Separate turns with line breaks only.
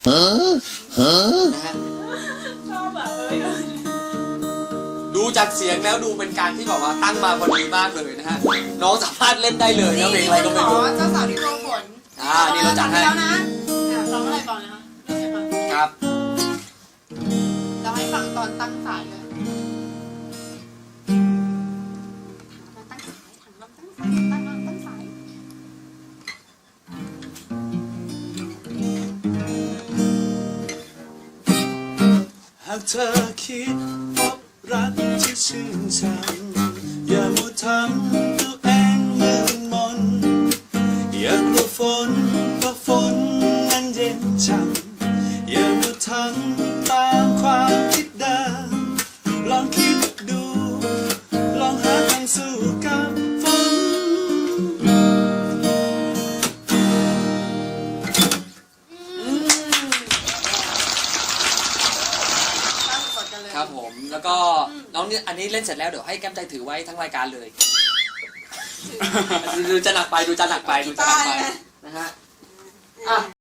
นะฮะ
ชอบแบบ
ดูจากเสียงแล้วดูเป็นการที่แบบว่าตั้งมาพอดีมากเลยนะฮะน้องสามารถเล่นได้เลยนะเพลงอะไรก็ไม่รู้
เจ้าสาวที่โกฝน
นี่เราจัดให้
แล้วนะร้องอะไรก่อนนะคะเริ่มเลยค่ะ
ครับ
เราให้ฟังตอนตั้งสายเลยตั้งสายถังลำตั้งสายตั้งลำตั้งสาย
หากเธอคิดพบรักที่ชื่นชังอย่ามัวทำตัวเองมืดมนอย่ากลัวฝนเพราะฝนนั้นเย็นช่ำอย่ามัวทำตามความคิดเดิมลองคิดดูลองหาทางสู้กับฝน
ตั้งกดกันเลย
ครับผมแล้วก็น้องเนี่ยอันนี้เล่นเสร็จแล้วเดี๋ยวให้แก้มใจถือไว้ทั้งรายการเลยดูจะหนักไปนะฮะ